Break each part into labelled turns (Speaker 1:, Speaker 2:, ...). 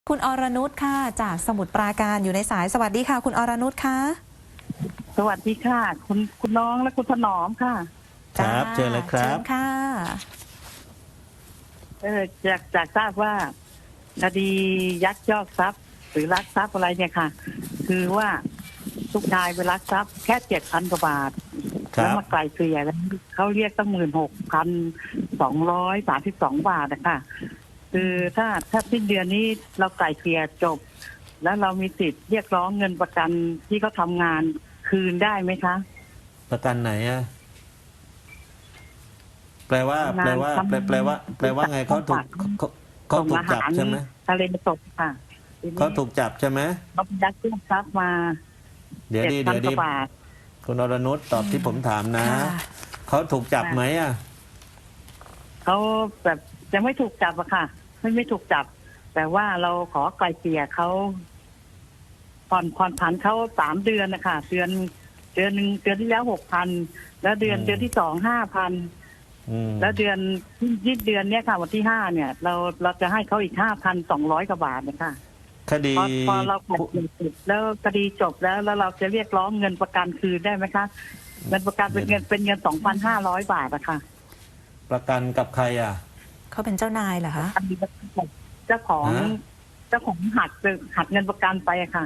Speaker 1: คุณอรนุชค่ะจากสมุทรปราการอยู่ในสายสวัสดีค่ะคุณอรนุชค่ะ
Speaker 2: สวัสดีค่ะคุณน้องและคุณถนอมค่ะ
Speaker 3: ครับเจอเลยครั
Speaker 1: เชิ
Speaker 3: บ
Speaker 1: ญค่ะ
Speaker 2: จากทราบว่าคดียักยอกทรัพย์หรือลักทรัพย์อะไรเนี่ยค่ะ คือว่าลูกชายไปลักทรัพย์แค่7,000 กว่าบาทแล้วมาไกลเกลี่ยแล้วเขาเรียกตั้ง16,232 บาทนะคะคือถ้าสิ้นเดือนนี้เราไกลเกลี่ยจบ แล้วเรามีสิทธิ์เรียกร้องเงินประกันที่เขาทำงานคืนได้ไหมคะ
Speaker 3: ประกันไหนอะแปลว่าไงเขาถูกจับใช่ไหม
Speaker 2: ทะเลสดค่ะ
Speaker 3: เขาถูกจับใช่ไหม
Speaker 2: เขายักยอกทรัพย์มา
Speaker 3: เดี๋ยวดีคุณอรนุชตอบที่ผมถามนะเขาถูกจับไหมอะ
Speaker 2: เขาแบบยังไม่ถูกจับอะค่ะไม่ถูกจับ แต่ว่าเราขอไกลเกลี่ยเขาผ่อนผันเขา3 เดือนนะคะเดือนหนึ่งเดือนที่แล้ว6,000แล้วเดือนที่2 5,000แล้วเดือนเนี้ยค่ะวันที่5เนี่ยเราจะให้เขาอีก5,200 กว่าบาทนะคะ
Speaker 3: คดี
Speaker 2: พอเราจบแล้วคดีจบแล้วเราจะเรียกร้องเงินประกันคืนได้ไหมคะเงินประกันเป็นเงิน 2,500 บาทอะค่ะ
Speaker 3: ประกันกับใครอะ
Speaker 1: เขาเป็นเจ้านายเหรอคะ
Speaker 2: เจ้าของหักเงินประกันไปอะค่ะ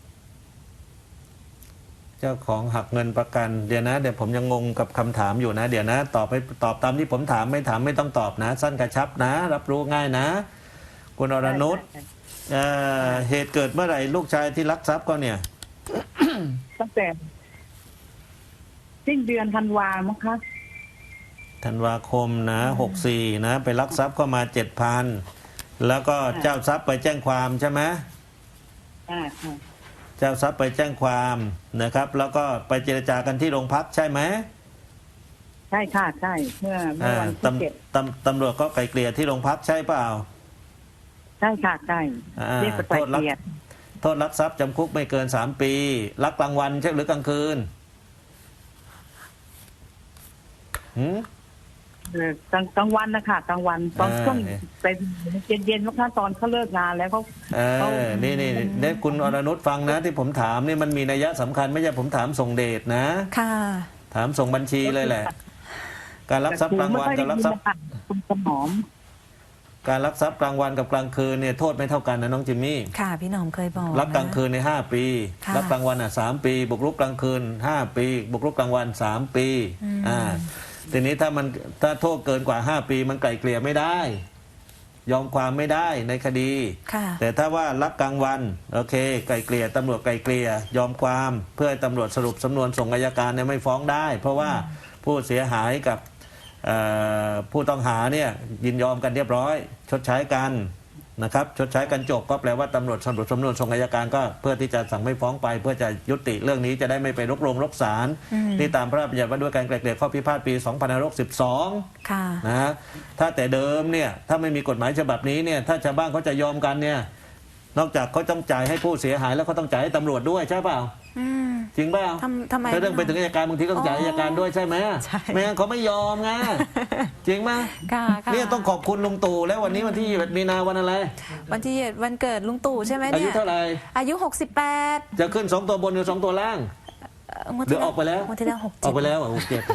Speaker 3: เจ้าของหักเงินประกันเดี๋ยวผมยังงงกับคำถามอยู่นะเดี๋ยวนะตอบตามที่ผมถามไม่ต้องตอบนะสั้นกระชับนะรับรู้ง่ายนะคุณอรนุชเหตุเกิดเมื่อไหร่ลูกชายที่ลักทรัพย์ก็เนี่ย
Speaker 2: ตั้งแต่สิ้นเดือนธันวาคมมั้งคะ
Speaker 3: ธันวาคมนะ64นะไปลักทรัพย์เข้ามา 7,000 แล้วก็เจ้าทรัพย์ไปแจ้งความใช่ไหมเจ้าทรัพย์ไปแจ้งความนะครับแล้วก็ไปเจรจากันที่โรงพักใช่ไหม
Speaker 2: ใช่ค่ะใช่เมื่อวันที่
Speaker 3: 7ตำรวจก็ไกลเกลี่ยที่โรงพักใช่เปล่า
Speaker 2: ใช่ค่ะใช่เรียกไปไกลเกลี่ย
Speaker 3: โทษลักทรัพย์จำคุกไม่เกิน3 ปีลักกลางวันใช่หรือกลางคืน
Speaker 2: กลางวันนะคะกลางวันตอนช่วงเป็นเย็นๆว่าตอนเขาเลิกงานแล้วเขา
Speaker 3: นี่คุณอรนุชฟังนะที่ผมถามนี่มันมีนัยสำคัญไม่ใช่ผมถามส่งเดชนะ
Speaker 1: ค่ะ
Speaker 3: ถามส่งบัญชีเลยแหละการลักทรัพย์กลางวันกับลักทรัพย์
Speaker 2: คุณสมอม
Speaker 3: การลักทรัพย์กลางวันกับกลางคืนเนี่ยโทษไม่เท่ากันนะน้องจิมมี่
Speaker 1: ค่ะพี่หนอมเคยบอก
Speaker 3: ลักกลางคืนใน5 ปีลักกลางวัน3 ปีบุกรุกกลางคืน5 ปีบุกรุกกลางวัน3 ปีทีนี้ถ้าโทษเกินกว่า5 ปีมันไกลเกลี่ยไม่ได้ยอมความไม่ได้ในคดีแต่ถ้าว่าลักกลางวันโอเคไกลเกลี่ยตำรวจไกลเกลี่ยยอมความเพื่อให้ตำรวจสรุปสำนวนส่งอัยการเนี่ยไม่ฟ้องได้เพราะว่าผู้เสียหายกับผู้ต้องหาเนี่ยยินยอมกันเรียบร้อยชดใช้กันนะครับชดใช้กันจบก็แปลว่าตำรวจสรุปสำนวนส่งอัยการก็เพื่อที่จะสั่งไม่ฟ้องไปเพื่อจะยุติเรื่องนี้จะได้ไม่ไปรกศาลที่ตามพระราชบัญญัติว่าด้วยการไกล่เกลี่ยข้อพิพาทปี2562นะถ้าแต่เดิมเนี่ยถ้าไม่มีกฎหมายฉบับนี้เนี่ยถ้าชาวบ้านเขาจะยอมกันเนี่ยนอกจากเขาต้องจ่ายให้ผู้เสียหายแล้วเขาต้องจ่ายให้ตำรวจด้วยใช่เปล่าจริงเปล่า
Speaker 1: ทำไม
Speaker 3: ถ้าเรื่องไปถึงอัยการบางทีต้องจ่ายอัยการด้วยใช่ไหมไม่งั้นเขาไม่ยอมไงจริงไหมเนี่ยต้องขอบคุณลุงตู่แล้ววันนี้วันที่21 มีนาวันอะไร
Speaker 1: วันเกิดลุงตู่ใช่ไหมเนี่ย
Speaker 3: อายุเท่าไหร่
Speaker 1: อายุ68
Speaker 3: จะขึ้น2 ตัวบนหรือ2 ตัวล่างหรือออกไปแล้ว
Speaker 1: วันที่แล้ว
Speaker 3: ออกไปแล้ว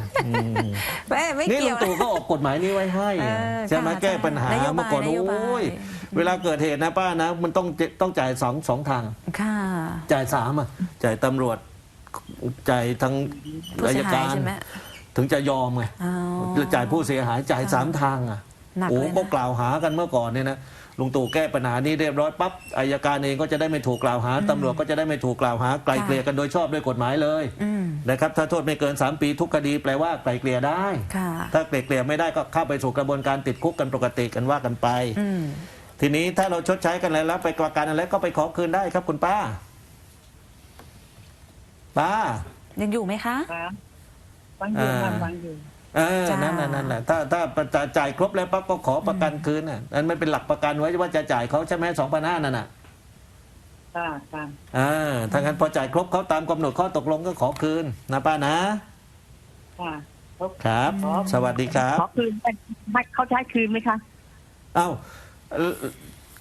Speaker 1: 67
Speaker 3: นี่ลุงตู่ก็ออกกฎหมายนี้ไว้ให้ใช่ไหมแก้ปัญหาเมื่อก่อนโอ้ยเวลาเกิดเหตุนะป้านะมันต้องจ่ายสองทางจ่าย3จ่ายตำรวจจ่ายทางอัยการถึงจะยอมไงจ่ายผู้เสียหายจ่าย3 ทางโอ้ก็กล่าวหากันเมื่อก่อนเนี่ยนะลุงตู่แก้ปัญหานี้เรียบร้อยปั๊บอัยการเองก็จะได้ไม่ถูกกล่าวหาตำรวจก็จะได้ไม่ถูกกล่าวหาไกลเกลี่ยกันโดยชอบด้วยกฎหมายเลยนะครับถ้าโทษไม่เกิน3 ปีทุกคดีแปลว่าไกลเกลี่ยได้ถ้าไกลเกลี่ยไม่ได้ก็เข้าไปสู่กระบวนการติดคุกกันปกติกันว่ากันไปทีนี้ถ้าเราชดใช้กันแล้วไปประกันอะไรก็ไปขอคืนได้ครับคุณป้า
Speaker 1: ยังอยู่ไหมคะ
Speaker 2: ฟังอยู่
Speaker 3: นั่นแหละถ้าจ่ายครบแล้วปั๊บก็ขอประกันคืนนั่นไม่เป็นหลักประกันไว้ว่าจะจ่ายเขาใช่ไหม2,500นั่นถ้างั้นพอจ่ายครบเขาตามกำหนดข้อตกลงก็ขอคืนนะป้านะครับสวัสดีครับ
Speaker 2: ขอคืนเขาใช้คืนไหมคะ
Speaker 3: อ้าวค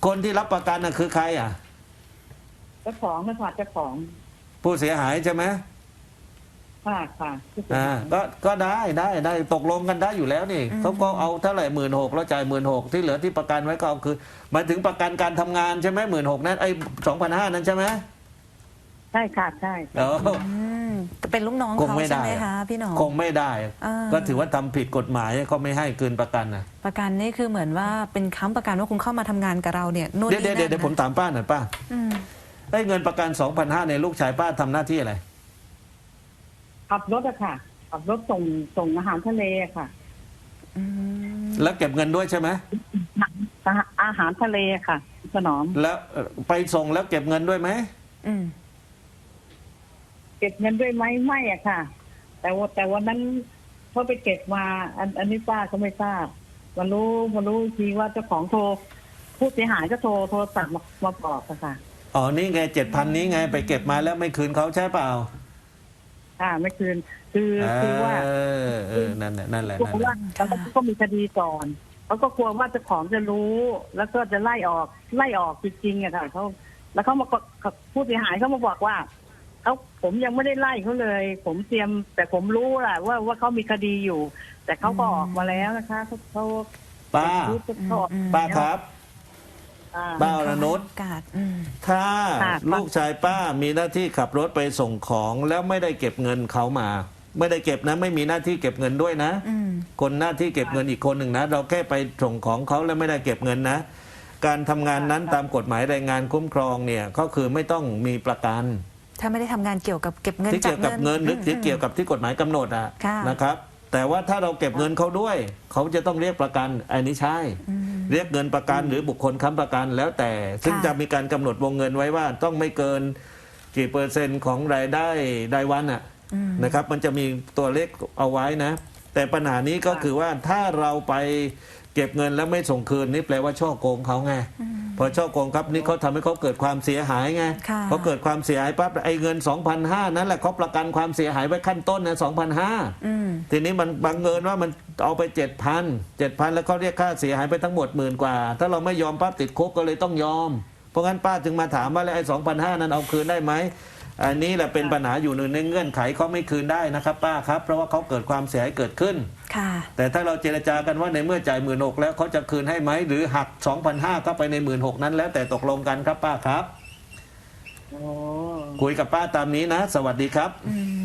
Speaker 3: คนที่รับประกันน่ะคือใครอ่ะ
Speaker 2: เจ้าของนะคะเจ้าของ
Speaker 3: ผู้เสียหายใช่ไหม
Speaker 2: ค่ะค่ะ
Speaker 3: ก็ได้ตกลงกันได้อยู่แล้วนี่เขาก็เอาเท่าไหร่16,000แล้วจ่าย16,000ที่เหลือที่ประกันไว้ก็เอาคือหมายถึงประกันการทำงานใช่ไหม16,000นั้นไอ้2,500นั้นใช่ไหม
Speaker 2: ใช่ค่ะใช่
Speaker 1: เป็นลูกน้อง
Speaker 3: คง
Speaker 1: เขา
Speaker 3: ไม่
Speaker 1: ใช่
Speaker 3: ได้
Speaker 1: ไหมคะพี่หนอม
Speaker 3: คงไม่ได้
Speaker 1: อ่า
Speaker 3: ก็ถือว่าทำผิดกฎหมายเขาไม่ให้คืนประกันนะ
Speaker 1: ประกันนี่คือเหมือนว่าเป็นค้ำประกันว่าคุณเข้ามาทำงานกับเราเนี่ยนู่น
Speaker 3: เดี๋ยว
Speaker 1: นี่นั่น
Speaker 3: เดี๋ยวผมถามป้าหน่อยป้า
Speaker 1: อืม
Speaker 3: ไอ้เงินประกัน 2,500ในยลูกชายป้าทำหน้าที่อะไร
Speaker 2: ขับรถอะค่ะขับรถส่งอาหารทะเลอะค่ะ
Speaker 1: อืม
Speaker 3: แล้วเก็บเงินด้วยใช่ไหม
Speaker 2: อาหารทะเลค่ะถนอม
Speaker 3: แล้วไปส่งแล้วเก็บเงินด้วยไหม
Speaker 1: อืม
Speaker 2: เก็บเงินด้วยไหมไม่อะค่ะ แต่วันนั้นเขาไปเก็บมา อันนี้ป้าก็ไม่ทราบมารู้ทีว่าเจ้าของโทรผู้เสียหายก็โทรศัพท์มาบอกอะค่ะ
Speaker 3: อ๋อนี่ไง7,000นี้ไงไปเก็บมาแล้วไม่คืนเขาใช่เปล่า
Speaker 2: ค่ะไม่คืนคือว่า
Speaker 3: นั่นแหละนั่นแหละ
Speaker 2: กลัวว่าแล้วก็มีคดีก่อนเขาก็กลัวว่าเจ้าของจะรู้ แล้วก็จะไล่ออกจริงๆอะค่ะเขาแล้วเขามาผู้เสียหายเขามาบอกว่าผมยังไม่ได้ไล่เขาเลย ผมเตรียมแต่ผมรู้แหละว่าเขามีคดีอยู่ แต่เขาก็ออกมาแล้วนะคะเขา
Speaker 3: ป้า
Speaker 2: เขาออก
Speaker 3: ป้าครับ ป้าอรนุช
Speaker 1: กาดอืม
Speaker 3: ถ้า
Speaker 2: ค่ะ
Speaker 3: ลูกชายป้ามีหน้าที่ขับรถไปส่งของแล้วไม่ได้เก็บเงินเขามา ไม่ได้เก็บนะ ไม่มีหน้าที่เก็บเงินด้วยนะ
Speaker 1: อืม
Speaker 3: คนหน้าที่เก็บเงินอีกคนหนึ่งนะ เราแค่ไปส่งของเขาแล้วไม่ได้เก็บเงินนะ การทำงานนั้นตามกฎหมายแรงงานคุ้มครองเนี่ยก็คือไม่ต้องมีประกัน
Speaker 1: ถ้าไม่ได้ทำงานเกี่ยวกับเก็บเงิน
Speaker 3: ที่เกี่ยวกับเงินหรือที่เกี่ยวกับที่กฎหมายกำหนดอะ
Speaker 1: ค่ะ
Speaker 3: นะครับ แต่ว่าถ้าเราเก็บเงินเขาด้วย เขาจะต้องเรียกประกันอันนี้ใช่ เรียกเงินประกันหรือบุคคลค้ำประกันแล้วแต่ ซึ่งจะมีการกำหนดวงเงินไว้ว่าต้องไม่เกินกี่เปอร์เซ็นต์ของรายได้รายวันอะนะครับ มันจะมีตัวเลขเอาไว้นะ แต่ปัญหานี้ก็คือว่าถ้าเราไปเก็บเงินแล้วไม่ส่งคืนนี่แปลว่าช่อโกงเขาไง พอช่อโกงครับนี่เขาทำให้เขาเกิดความเสียหายไง
Speaker 1: ค่ะ
Speaker 3: เขาเกิดความเสียหายปั๊บไอ้เงิน 2,500 นั่นแหละเขาประกันความเสียหายไว้ขั้นต้นนะ 2,500
Speaker 1: อืม
Speaker 3: ทีนี้มันบังเอิญว่ามันเอาไป 7,000 แล้วเขาเรียกค่าเสียหายไปทั้งหมด10,000 กว่า ถ้าเราไม่ยอมปั๊บติดคุกก็เลยต้องยอม เพราะงั้นป้าจึงมาถามว่าแล้วไอ้ 2,500 นั้นเอาคืนได้ไหมอันนี้แหละเป็นปัญหาอยู่หนึ่งในเงื่อนไขเขาไม่คืนได้นะครับป้าครับเพราะว่าเขาเกิดความเสียหายเกิดขึ้น
Speaker 1: ค่ะ
Speaker 3: แต่ถ้าเราเจรจากันว่าในเมื่อจ่าย16,000แล้วเขาจะคืนให้ไหมหรือหัก 2,500 เข้าไปใน16,000นั้นแล้วแต่ตกลงกันครับป้าครับ
Speaker 2: โอ้
Speaker 3: คุยกับป้าตามนี้นะ สวัสดีครับ
Speaker 1: อืม